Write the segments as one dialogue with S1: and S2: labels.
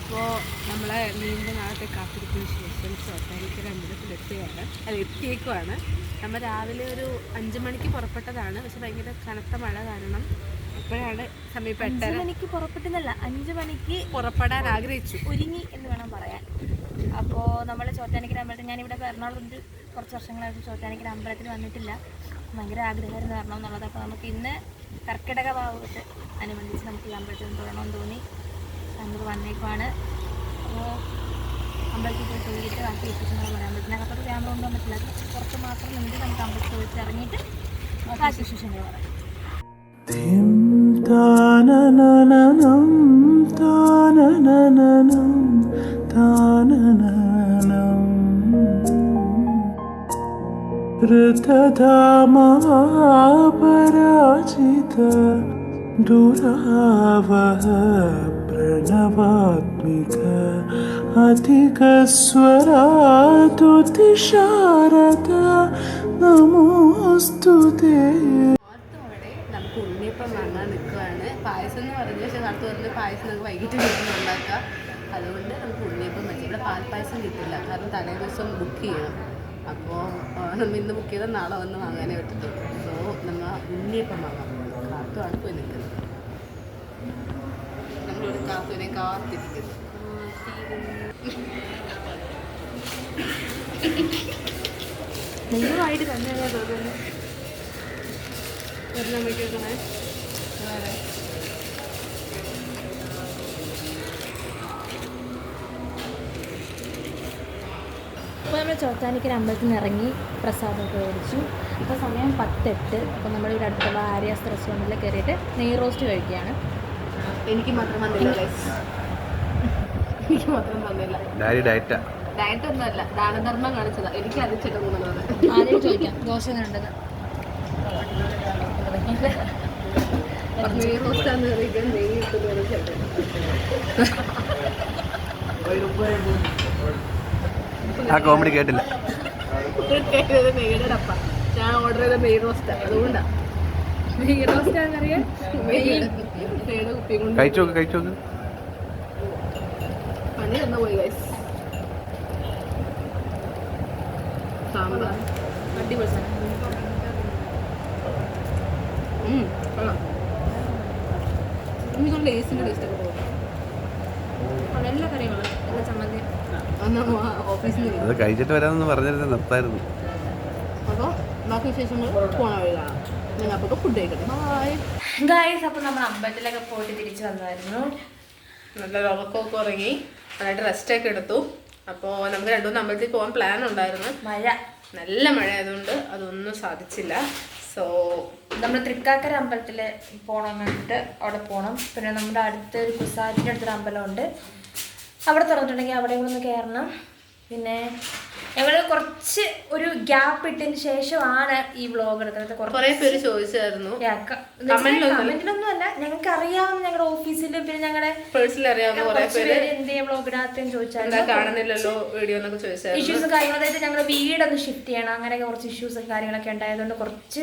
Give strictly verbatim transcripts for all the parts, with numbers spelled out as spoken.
S1: അപ്പോൾ നമ്മളെ നീണ്ട നാളത്തെ കാത്തിരിപ്പിന് ശേഷം ചോറ്റാനിക്കര അമ്പലത്തിലെത്തുകയാണ്. അത് എത്തിയേക്കുവാണ്. നമ്മൾ രാവിലെ ഒരു അഞ്ച് മണിക്ക് പുറപ്പെട്ടതാണ്. പക്ഷെ ഭയങ്കര കനത്ത മഴ കാരണം ഇപ്പോഴാണ് സമയം എട്ടര
S2: മണിക്ക് പുറപ്പെട്ടെന്നല്ല, അഞ്ച് മണിക്ക്
S1: പുറപ്പെടാൻ ആഗ്രഹിച്ചു,
S2: ഒരുങ്ങി എന്ന് വേണം പറയാൻ. അപ്പോൾ നമ്മൾ ചോറ്റാനിക്കര അമ്പലത്തിൽ, ഞാനിവിടെ എറണാകുളത്ത് കുറച്ച് വർഷങ്ങളായിട്ട് ചോറ്റാനിക്കര അമ്പലത്തിൽ വന്നിട്ടില്ല. ഭയങ്കര ആഗ്രഹമായിരുന്നു വരണം എന്നുള്ളത്. അപ്പോൾ നമുക്ക് ഇന്ന് കർക്കിടക ഭാവത്ത് അനുബന്ധിച്ച് നമുക്ക് ഈ അമ്പലത്തിൽ തൊഴണമെന്ന് തോന്നി നമുക്ക് വന്നേക്കുവാണ്. അപ്പോൾ അമ്പലത്തിൽ പോയി തൊഴിലിട്ട് ബാക്കി വിശേഷങ്ങൾ പറയാൻ പറ്റില്ല. അകത്തൊരു ക്യാമറ കൊണ്ടുപോകാൻ പറ്റില്ല. അത് കുറച്ച് മാത്രം നിന്ന് നമുക്ക് അമ്പലത്തിൽ പോയിട്ട് ഇറങ്ങിയിട്ട് ബാക്കി വിശേഷങ്ങൾ പറയാം.
S3: ഋതധാമപരാജിത ദുരാവഹ പ്രണവാത്മിക അധികസ്വരാതുതിശാരദ നമോസ്തുതേ.
S1: നമുക്ക് ഉണ്ണിയപ്പം വാങ്ങാൻ നിൽക്കുകയാണ്. പായസം എന്ന് പറഞ്ഞു, പക്ഷേ നടത്തു പറഞ്ഞ് പായസം നമുക്ക് വൈകിട്ട് വീട്ടിൽ ഉണ്ടാക്കാം. അതുകൊണ്ട് നമുക്ക് ഉണ്ണിയപ്പം വെച്ച് ഇവിടെ പാൽപ്പായസം കിട്ടില്ല, കാരണം തലേ ദിവസം ബുക്ക് ചെയ്യണം. അപ്പോൾ നമ്മൾ ഇന്ന് ബുക്ക് ചെയ്താൽ നാളെ വന്ന് വാങ്ങാനേ പറ്റത്തുള്ളൂ. സോ നമ്മൾ ഉണ്ണിയപ്പം വാങ്ങാൻ പോകുന്നത്. കാത്തുമാണ് പോയി നിൽക്കുന്നത്. നമ്മളൊരു കാത്തുവിനെ കാത്തിരിക്കുന്നു. നിങ്ങളുമായിട്ട് തന്നെയാണ് തോന്നുന്നു. ഒരെണ്ണം വെക്കണേ. വേറെ
S2: അപ്പോൾ നമ്മൾ ചോറ്റാനിക്കര അമ്പലത്തിൽ നിന്ന് ഇറങ്ങി പ്രസാദമൊക്കെ മേടിച്ചു. അപ്പോൾ സമയം പത്തെട്ട്. അപ്പോൾ നമ്മൾ ഇവിടെ അടുത്തുള്ള ആര്യാസ് റെസ്റ്റോറൻറ്റിൽ കയറിയിട്ട് നെയ് റോസ്റ്റ് കഴിക്കുകയാണ്.
S1: എനിക്ക് മാത്രം വന്നില്ല, എനിക്ക് മാത്രം വന്നില്ല. ഡയറ്റ് ഒന്നുമല്ല, ദാനധർമ്മം കാണിച്ചതാ. എനിക്ക് അതിച്ചിട്ട് പോകുന്നത്
S2: ആദ്യം ചോദിക്കാം, ദോശ കണ്ടത്
S1: നെയ് റോസ്റ്റാന്ന് കഴിക്കാൻ നെയ്യ് ഇട്ടത്
S3: ആ കോമഡി കേട്ടില്ല.
S1: നെയ്യുടെ ഡപ്പ ഞാൻ ഓർഡർ ചെയ്ത നെയ് റോസ്റ്റാ, അതുകൊണ്ടാ. നെയ് റോസ്റ്റാന്നറിയാൻ നെയ്യുടെ കുപ്പി കൊണ്ട്
S3: കഴിച്ചോക്ക് കഴിച്ചോക്ക്
S1: പണി തന്നു പോയി ഗൈസ്. സാമ്പാർ അടിപൊളി സാധനം. എനിക്കൊരു ലേസിൻ്റെ ടേസ്റ്റ് ഒക്കെ പോകും.
S2: എല്ലാ കറികളും എല്ലാ ചമ്മന്തി
S1: ഓഫീസിൽ നിന്ന്
S3: അത് കഴിച്ചിട്ട് വരാമെന്ന് പറഞ്ഞിരുന്നത് നിർത്തായിരുന്നു.
S1: അപ്പോൾ ബാക്കി വിശേഷങ്ങൾ പോണ വഴി കാണാം. ഞങ്ങൾ അപ്പോൾ ഫുഡ് കഴിക്കട്ടെ. Hi
S2: guys. അപ്പോൾ നമ്മൾ അമ്പലത്തിലൊക്കെ പോയിട്ട് തിരിച്ചു വന്നായിരുന്നു.
S1: നല്ല ഉറക്കമൊക്കെ ഉറങ്ങി നന്നായിട്ട് റെസ്റ്റൊക്കെ എടുത്തു. അപ്പോൾ നമുക്ക് രണ്ടു മൂന്ന് അമ്പലത്തിൽ പോകാൻ പ്ലാൻ ഉണ്ടായിരുന്നു.
S2: മഴ,
S1: നല്ല മഴ ആയതുകൊണ്ട് അതൊന്നും സാധിച്ചില്ല. സോ
S2: നമ്മൾ തൃക്കാക്കര അമ്പലത്തിൽ പോകണം എന്നിട്ട് അവിടെ പോകണം. പിന്നെ നമ്മുടെ അടുത്ത് ഒരു കുസാരിൻ്റെ അടുത്തൊരു അമ്പലമുണ്ട്, അവിടെ തുറന്നിട്ടുണ്ടെങ്കിൽ അവിടെ ഒന്ന് കയറണം. പിന്നെ ഞങ്ങൾ കുറച്ച് ഒരു ഗ്യാപ്പ് ഇട്ടതിന് ശേഷമാണ് ഈ വ്ളോഗ് എടുക്കുന്നത്.
S1: കുറേ പേര് ചോദിച്ചായിരുന്നു,
S2: കമന്റിലൊന്നും അല്ല, ഞങ്ങൾക്ക് അറിയാവുന്ന ഞങ്ങളുടെ ഓഫീസിലും പിന്നെ ഞങ്ങളുടെ
S1: പേഴ്സണലി അറിയാവുന്ന കുറേ പേര്
S2: എന്ത് വ്ളോഗ് ഇടാത്തെന്ന് ചോദിച്ചാൽ
S1: കാണുന്നില്ലല്ലോ വീഡിയോ എന്നൊക്കെ ചോദിച്ചാൽ
S2: ഇഷ്യൂസ് കാര്യങ്ങൾ. അതായത് ഞങ്ങളുടെ വീടൊന്ന് ഷിഫ്റ്റ് ചെയ്യണം, അങ്ങനെയൊക്കെ കുറച്ച് ഇഷ്യൂസ് കാര്യങ്ങളൊക്കെ ഉണ്ടായതുകൊണ്ട് കുറച്ച്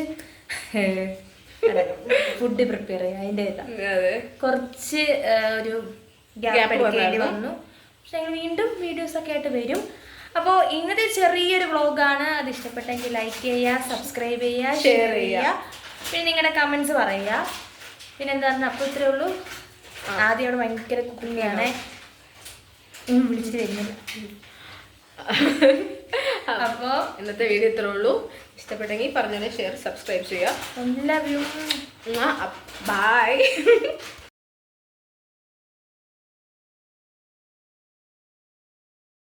S2: ഫുഡ് പ്രിപ്പയർ ചെയ്യാം, അതിൻ്റെ കുറച്ച് ഒരു ഗ്യാപ്പ് എടുക്കേണ്ടി വന്നു. പക്ഷെ ഞങ്ങൾ വീണ്ടും വീഡിയോസൊക്കെ ആയിട്ട് വരും. അപ്പോൾ ഇന്നത്തെ ചെറിയൊരു വ്ളോഗാണ്. അത് ഇഷ്ടപ്പെട്ടെങ്കിൽ ലൈക്ക് ചെയ്യുക, സബ്സ്ക്രൈബ് ചെയ്യുക, ഷെയർ ചെയ്യുക, പിന്നെ നിങ്ങളുടെ കമൻസ് പറയുക. പിന്നെ എന്താണെന്ന് അപ്പോൾ ഇത്രയേ ഉള്ളൂ. ആദ്യം അവിടെ ഭയങ്കര കുക്കിങ്ങാണ്, വിളിച്ചിട്ട് വരുന്നില്ല. അപ്പോൾ
S1: ഇന്നത്തെ വീഡിയോ ഇത്രേ ഉള്ളൂ. ഇഷ്ടപ്പെട്ടെങ്കിൽ പറഞ്ഞോളെ ഷെയർ സബ്സ്ക്രൈബ് ചെയ്യുക.
S2: എല്ലാവരും
S1: ബൈ.